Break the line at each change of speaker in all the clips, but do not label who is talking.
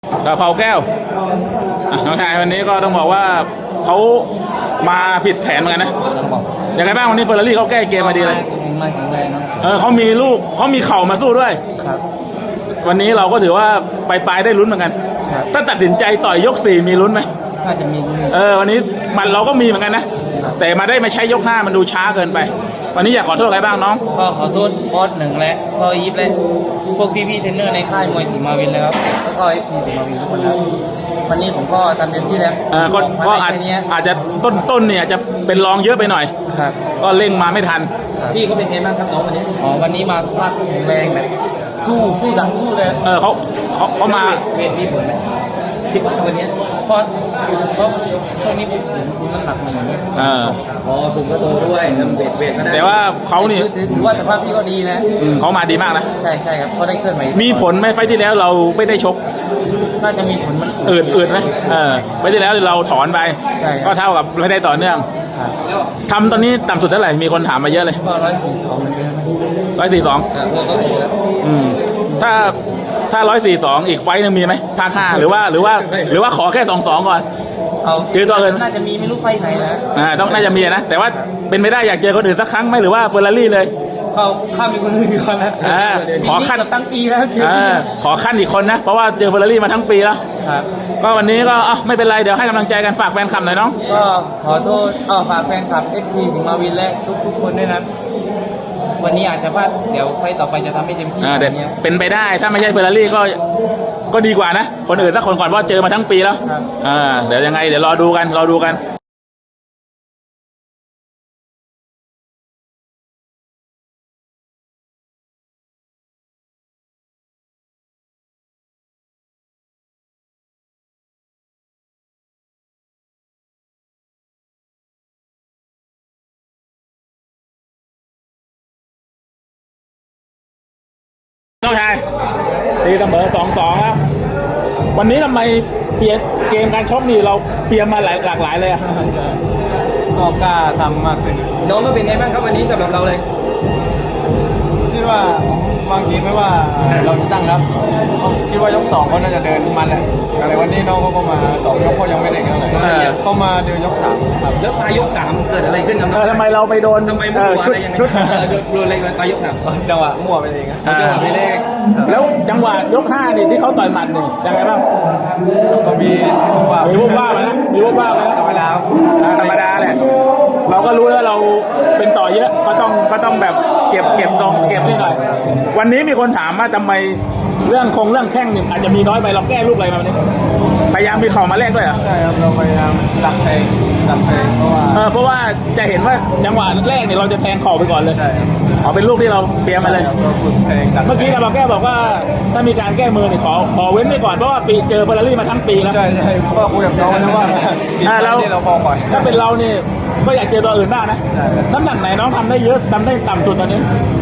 กระเพราแก้วน้องชายวันนี้ก็ต้องบอกว่าเขามาผิดแผนเหมือนกันนะอย่างไรบ้างวันนี้เฟอร์รารี่เขาแก้เกมมาดีเลย
มาแข็งแรงนะ
เขามีลูกเขามีเข่ามาสู้ด้วย
ครับ
วันนี้เราก็ถือว่าปลายได้ลุ้นเหมือนกันถ้าตัดสินใจต่อยยก4มีลุ้นไหม
น่าจะมี
วันนี้มันเราก็มีเหมือนกันนะแต่มาได้มาใช้ยก5มันดูช้าเกินไปวันนี้อยากขอโทษใครบ้างน้อง
ก็ขอโทษบอสหนึ่งและซอยยิปและพวกพี่ๆเทรนเนอร์ในค่ายมวยสิงห์มาวินเลยครับแล้วก็FCสิงห์มาวินทุกคนครับวันนี้ผมก็ทำเต็มที่แล้ว
ก็อาจจะต้นเนี่ยจะเป็นรองเยอะไปหน่อย
ครับ
ก็เร่งมาไม่ทัน
พี่เขาเป็นไงบ้างครับน้องวันนี้วันนี้มาสภาพแข็งแรงแบบสู้ดังสู้เลย
เขามา
เวทมีผลไหมคิดว่าวันนี้เพราะช่วงนี้ผมน้ำหนักมันเหมือนผมก็โตด้วยเวทก็ได้
แต่ว่าเขานี่
ถือว่าสภาพพี่ก็ดีนะ
เขามาดีมากนะ
ใช่ครับเขาได้เคลื่อนไหว
มีผลไหมไฟที่แล้วเราไม่ได้ชก
น่าจะมีผลมัน
อืดไหมไฟที่แล้วเราถอนไปก็เท่ากับไม่ได้ต่อเนื่องทำตอนนี้ต่ำสุดเท่าไหร่มีคนถามมาเยอะเลย
ก็
142ถ้า142อีกไฟนึงมีไหมภาค5หรือว่าขอแค่22ก่อนเจอตัวอื่น
น่าจะมีไม่รู้ไฟไหน
นะต้องน่าจะมีนะแต่ว่าเป็นไม่ได้อยากเจอคนอื่นสักครั้งไหมหรือว่าเฟอร์รารี่เลย
ข้ามมีคนอื่นก่อนนะ
ขอขั้น
ตั้งปีแล้ว
ขอขั้นอีกคนนะเพราะว่าเจอเฟอร์รารี่มาทั้งปีแล้วก็วันนี้ก็ไม่เป็นไรเดี๋ยวให้กำลังใจกันฝากแฟนคลับหน่อยน้อง
ก็ขอโทษฝากแฟนคลับFCสิงห์มาวินและทุกคนด้วยนะวันนี้อาจจะพลาดเดี๋ยวไฟต่อไปจะทำให้เต็มที่
เป็นไปได้ถ้าไม่ใช่เฟอร์รารี่ก็ดีกว่านะคนอื่นสักคนก่อนเพราะเจอมาทั้งปีแล้วเดี๋ยวยังไงเดี๋ยวรอดูกันน้องชายตีเสมอ2-2แล้ววันนี้ทำไมเปลี่ยนเกมการชกนี่เราเปลี่ยนมาหลากหลายเลย
ก็กล้าทำมากขึ้นน้องก็เป็นไงบ้างครับวันนี้สำหรับเราเลยคิดว่าบางทีไม่ว่าเราจะตั้งรับคิดว่ายก2เขาน่าจะเดินมันแหละอะไรวันนี้น้องเขาก็มา2ยกเขายังไม่ได้เท่าไหร่เขามาเดินยก3ครับแล้วยก3เกิดอะไรขึ้นครับ
ทำไมเราไปโดนชุด
โดนอะไรไปยก3จังหวะมั่วไปเองจังหวะไปเลข
แล้วจังหวะยก5นี่ที่เขาต่อยหมัดนี่ยังไงบ้าง
ก็มีวุบ
วาบนะธรรมดาแหละเราก็รู้แล้วเราเป็นต่อเยอะก็ต้องแบบเก็บนิดหน่อยวันนี้มีคนถามว่าทำไมเรื่องแข้งนี่อาจจะมีน้อยไปเราแก้รูปอะไรมาวันนี้พยายามมีเข่ามาแลกด้วยเหรอ
ใช่ครับเราพยายามดักแทง
เพราะว่าจะเห็นว่าจังหวะแรกเนี่ยเราจะแทงเข่าไปก่อนเลยเป็นลูกที่เราเตรียมมาเลยเมื่อกี้เราแก้บอกว่าถ้ามีการแก้มือเนี่ยขอเว้นไว้ก่อนเพราะว่าปีเจอเฟอร์รารี่มาทั้งปีแล้ว
ใช่ก็คุยกับน้องนะว่า
เราพอก่อนถ้าเป็นเรานี่ก็อยากเจอตัวอื่นบ้างนะน้ำหนักไหนน้องทำได้เยอะทำได้ต่ำสุดตอนนี้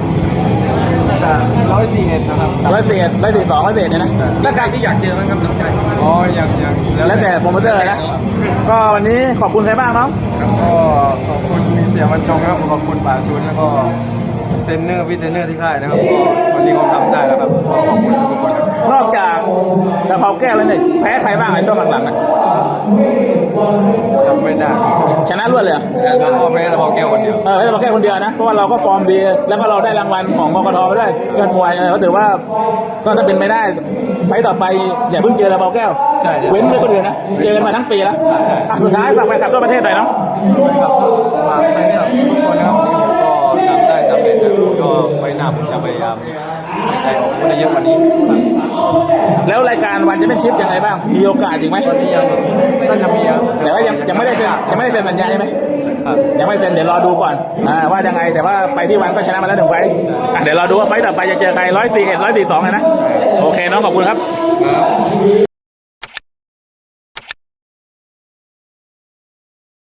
141นะครับ
142เนี่ยนะ
แล้วการที่อยากเจอมั้งครับน้องชายอยาก
แล้วแต่โปรโมเตอร์นะก็วันนี้ขอบคุณใครบ้างน้อง
ก็ขอบคุณมีเสียบรรจงครับขอบคุณป่าชุนแล้วก็เทรนเนอร์พี่เทรนเนอร์ที่ค่ายนะครับก็วันนี้ผมทำได้แล้วครับก็ขอบคุณทุกคน
นอกจากกระเพราแก้วแล้วเนี่ยแพ้ใครบ้างในช่วงหลังๆนะ
จำไม่ได้
ชนะรวดเลย
ก็แพ้กระเพราแก้วคนเดียว
แพ้กระเพราแก้วคนเดียวนะเพราะว่าเราก็ฟอร์มดีแล้วก็เราได้รางวัลของกกทไปด้วยยอดมวยก็ถือว่าก็ถ้าเป็นไม่ได้ไฟต่อไปอย่าเพิ่งเจอกระเพราแก้วเว้นไว้คนอื่นนะเจอมาทั้งปีแล้วสุดท้ายฝากแฟนคลับทั่วประเทศหน่อยเนาะ
ฝากแฟนคลับทุกคนนะครับก็ทำได้ทำเป็นก็ไฟหน้าผมจะพยายามใจของผู้ได้เยอะกว่านี้
แล้วรายการวันจะเป็นชิปยังไงบ้างมีโอกาสอีกไหม
วันนี้ยังน่าจะมีครับ
แต่ว่ายังไม่ได้เซ็นสัญญาใช่ไหมยังไม่เซ็นเดี๋ยวรอดูก่อนว่ายังไงแต่ว่าไปที่วันก็ชนะมาแล้ว1 ไฟเดี๋ยวรอดูว่าไฟต่อไปจะเจอใคร141 142นะโอเคน้องขอบคุณครับ